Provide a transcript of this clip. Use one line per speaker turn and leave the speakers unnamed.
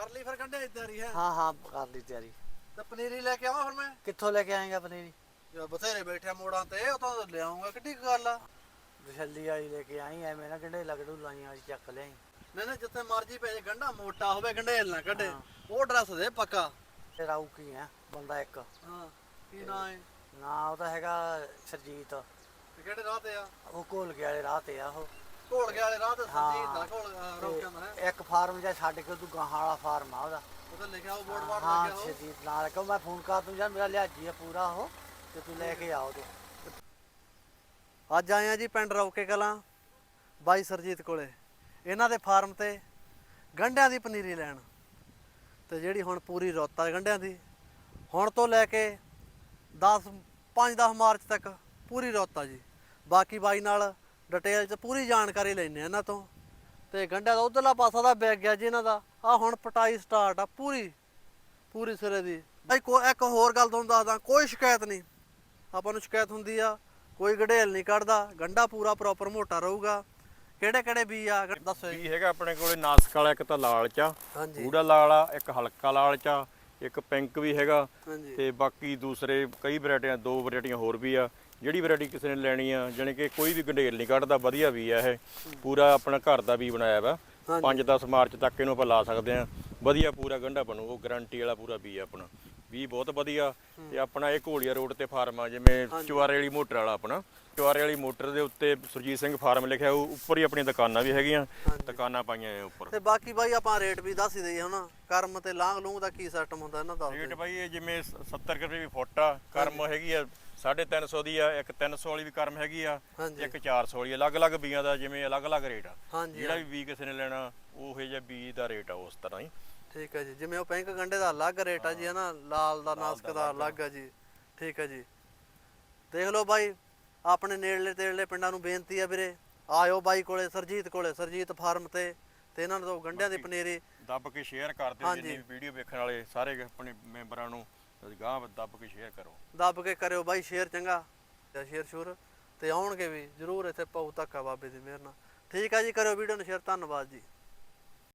ਕਰ ਲਈ ਫਿਰ ਗੰਢੇ ਦੀ ਤਿਆਰੀ ਹੈ?
ਹਾਂ ਹਾਂ ਕਰ ਲਈ ਤਿਆਰੀ।
ਤੇ ਪਨੀਰੀ ਲੈ ਕੇ ਆਵਾਂ ਫਿਰ ਮੈਂ?
ਕਿੱਥੋਂ ਲੈ ਕੇ ਆਏਗਾ ਪਨੀਰੀ?
ਯਾਰ ਬਥੇਰੇ ਬੈਠੇ ਮੋੜਾਂ ਤੇ, ਉਹ ਤਾਂ ਲਿਆਉਂਗਾ, ਕਿੱਡੀ ਕੁ ਗੱਲ ਆ।
ਵਿਸ਼ੱਲੀ ਵਾਲੀ ਲੈ ਕੇ ਆਈ, ਐਵੇਂ ਨਾ ਗੰਢੇ ਲਗੜੂ ਲਾਈਆਂ ਵਾਲੀ ਚੱਕ ਲਿਆਈ।
ਨਹੀਂ ਨਹੀਂ, ਜਿੱਥੇ ਮਰਜੀ ਪੈ ਜੇ, ਗੰਢਾ ਮੋਟਾ ਹੋਵੇ, ਗੰਢੇਲ ਨਾ ਕੱਢੇ।
ਹਾਂ।
ਉਹ ਡਰੈਸ ਦੇ ਪੱਕਾ।
ਤੇ ਰਾਊ ਕੀ ਹੈ ਬੰਦਾ ਇੱਕ?
ਹਾਂ, ਕੀ ਨਾਂ ਹੈ?
ਨਾ ਉਹ ਤਾਂ ਹੈਗਾ ਸਰਜੀਤ।
ਤੇ ਕਿਹੜੇ ਰਾਹ ਤੇ ਆ?
ਉਹ ਘੋਲਕੇ ਵਾਲੇ ਰਾਹ ਤੇ ਆ ਉਹ।
ਘੋਲਕੇ ਵਾਲੇ ਰਾਹ ਤੇ ਸਰਜੀਤ ਦਾ
ਹਾਂ।
ਘੋਲ ਰੋਕਿਆ ਮੈਂ।
ਇੱਕ ਫਾਰਮ ਜਿਹਾ ਛੱਡ ਕੇ ਤੂੰ ਗਾਹਾਂ ਵਾਲਾ ਫਾਰਮ ਆ ਉਹਦਾ।
ਉਹਦੇ ਲਿਖਿਆ ਉਹ ਬੋਰਡ ਬਾਰਡ
ਹਾਂ
ਲੱਗਿਆ ਉਹ।
ਸਰਜੀਤ ਨਾਲ ਕਹੋ ਮੈਂ ਫੋਨ ਕਰ ਦੂੰ, ਯਾਰ ਮੇਰਾ ਲਿਹਾਜੀ ਆ ਪੂਰਾ ਉਹ, ਤੇ ਤੂੰ ਲੈ ਕੇ ਆਓ ਤੂੰ।
ਅੱਜ ਆਏ ਆ ਜੀ ਪਿੰਡ ਰੌਕੇ ਕਲਾਂ ਬਾਈ ਸਰਜੀਤ ਕੋਲੇ। ਇਹਨਾਂ ਦੇ ਫਾਰਮ ਤੇ ਗੰਢਿਆਂ ਦੀ ਪਨੀਰੀ ਲੈਣ, ਤੇ ਜਿਹੜੀ ਹੁਣ ਪੂਰੀ ਰੁੱਤ ਆ ਗੰਢਿਆਂ ਦੀ, ਹੁਣ ਤੋਂ ਲੈ ਕੇ 5-10 ਮਾਰਚ ਤੱਕ ਪੂਰੀ ਰੁੱਤ ਆ ਜੀ। ਬਾਕੀ ਬਾਈ ਨਾਲ ਡਿਟੇਲ 'ਚ ਪੂਰੀ ਜਾਣਕਾਰੀ ਲੈਣੇ ਇਹਨਾਂ ਤੋਂ। ਤੇ ਗੰਢਿਆਂ ਦਾ ਉਧਰਲਾ ਪਾਸਾ ਦਾ ਵਿਕ ਗਿਆ ਜੀ ਇਹਨਾਂ ਦਾ। ਆ ਹੁਣ ਪਟਾਈ ਸਟਾਰਟ ਆ ਪੂਰੀ ਸਿਰੇ ਦੀ। ਇੱਕ ਹੋਰ ਗੱਲ ਤੁਹਾਨੂੰ ਦੱਸਦਾ, ਕੋਈ ਸ਼ਿਕਾਇਤ ਨਹੀਂ। ਆਪਾਂ ਨੂੰ ਸ਼ਿਕਾਇਤ ਹੁੰਦੀ ਆ, ਕੋਈ ਗੜੇਲ ਨਹੀਂ ਕੱਢਦਾ, ਗੰਢਾ ਪੂਰਾ ਪ੍ਰੋਪਰ ਮੋਟਾ ਰਹੂਗਾ। ਕਿਹੜੇ ਕਿਹੜੇ ਬੀਜ ਆ ਦੱਸੋ ਜੀ?
ਬੀਜ ਹੈਗਾ ਆਪਣੇ ਕੋਲੇ ਨਾਸਕ ਵਾਲਾ, ਇੱਕ ਤਾਂ ਲਾਲ ਚਾ,
ਹਾਂਜੀ
ਗੂੜਾ ਲਾਲ ਆ, ਇੱਕ ਹਲਕਾ ਲਾਲ ਚਾ, ਇੱਕ ਪਿੰਕ ਵੀ ਹੈਗਾ,
ਹਾਂਜੀ
ਤੇ ਬਾਕੀ ਦੂਸਰੇ ਕਈ ਵੈਰਾਈਟੀਆਂ, 2 ਵੈਰਾਈਟੀਆਂ ਹੋਰ ਵੀ ਆ। ਜਿਹੜੀ ਵੈਰਾਈਟੀ ਕਿਸੇ ਨੇ ਲੈਣੀ ਆ, ਜਾਣੀ ਕਿ ਕੋਈ ਵੀ ਗੰਢੇਲ ਨਹੀਂ ਕੱਢਦਾ, ਵਧੀਆ ਵੀ ਆ ਇਹ। ਪੂਰਾ ਆਪਣਾ ਘਰ ਦਾ ਵੀ ਬਣਾਇਆ ਵਾ। 5-10 ਮਾਰਚ ਤੱਕ ਇਹਨੂੰ ਆਪਾਂ ਲਾ ਸਕਦੇ ਆ। ਵਧੀਆ ਪੂਰਾ ਗੰਢਾ ਬਣੂ, ਉਹ ਗਾਰੰਟੀ ਵਾਲਾ ਪੂਰਾ ਬੀਜ ਆਪਣਾ। ਵੀ ਬਹੁਤ ਵਧੀਆ। ਤੇ ਆਪਣਾ ਇਹ ਘੋਲੀਆ ਰੋਡ ਤੇ ਫਾਰਮ ਆ, ਜਿਵੇਂ ਚੁਆਰੇ ਵਾਲੀ ਮੋਟਰ ਵਾਲਾ ਆਪਣਾ। ਚੁਆਰੇ ਵਾਲੀ ਮੋਟਰ ਦੇ ਉੱਤੇ ਸੁਰਜੀਤ ਸਿੰਘ ਫਾਰਮ ਲਿਖਿਆ, ਉਹ ਉੱਪਰ ਹੀ ਆਪਣੀਆਂ ਦੁਕਾਨਾਂ ਵੀ ਹੈਗੀਆਂ, ਦੁਕਾਨਾਂ ਪਾਈਆਂ ਉੱਪਰ।
ਤੇ ਬਾਕੀ ਬਾਈ ਆਪਾਂ ਰੇਟ ਵੀ ਦੱਸ ਹੀ ਦਈਏ ਹੁਣ, ਕਰਮ ਤੇ ਲਾਂਗ ਲੂੰਗ ਦਾ ਕੀ ਸਿਸਟਮ ਹੁੰਦਾ ਇਹਨਾਂ ਦਾ?
ਰੇਟ ਬਾਈ ਇਹ ਜਿਵੇਂ 70 ਰੁਪਏ ਵੀ ਫੁੱਟ ਆ, ਕਰਮ ਹੈਗੀ ਆ 350 ਦੀ ਆ, ਇੱਕ 300 ਵਾਲੀ ਵੀ ਕਰਮ ਹੈਗੀ ਆ, ਇੱਕ 400 ਵਾਲੀ। ਅਲੱਗ-ਅਲੱਗ ਬੀਆਂ ਦਾ ਜਿਵੇਂ ਅਲੱਗ-ਅਲੱਗ ਰੇਟ ਆ। ਜਿਹੜਾ ਵੀ ਬੀ ਕਿਸੇ ਨੇ ਲੈਣਾ ਉਹੋ ਜਿਹਾ ਬੀਜ ਦਾ ਰੇਟ ਆ ਉਸ ਤਰ੍ਹਾਂ ਹੀ।
ਠੀਕ ਹੈ ਜੀ। ਜਿਵੇਂ ਉਹ ਪਿੰਕ ਗੰਢੇ ਦਾ ਅਲੱਗ ਰੇਟ ਆ ਜੀ, ਹਨਾ, ਲਾਲ ਦਾ ਨਾਸਕ ਦਾ ਅਲੱਗ ਆ ਜੀ। ਠੀਕ ਹੈ ਜੀ। ਦੇਖ ਲਓ ਬਾਈ, ਆਪਣੇ ਨੇੜਲੇ ਤੇੜਲੇ ਪਿੰਡਾਂ ਨੂੰ ਬੇਨਤੀ ਆ ਵੀਰੇ, ਆਇਓ ਬਾਈ ਕੋਲੇ, ਸਰਜੀਤ ਫਾਰਮ ਤੇ ਇਹਨਾਂ ਨੂੰ ਗੰਢਿਆਂ ਦੀ ਪਨੀਰੀ
ਦੱਬ ਕੇ ਸ਼ੇਅਰ ਕਰ ਦਿਓ। ਜਿੰਨੀ ਵੀਡੀਓ ਵੇਖਣ ਵਾਲੇ ਸਾਰੇ ਆਪਣੇ ਮੈਂਬਰਾਂ ਨੂੰ ਗਾਂਹ ਦੱਬ ਕੇ ਸ਼ੇਅਰ ਕਰੋ।
ਦੱਬ ਕੇ ਕਰਿਓ ਬਾਈ ਸ਼ੇਅਰ, ਚੰਗਾ ਸ਼ੇਅਰ ਸ਼ੂਰ, ਤੇ ਆਉਣਗੇ ਵੀ ਜ਼ਰੂਰ ਇੱਥੇ ਪਾਉ ਧੱਕਾ ਬਾਬੇ ਦੀ ਮਿਹਰ ਨਾਲ। ਠੀਕ ਆ ਜੀ, ਕਰਿਓ ਵੀਡੀਓ ਨੂੰ ਸ਼ੇਅਰ। ਧੰਨਵਾਦ ਜੀ।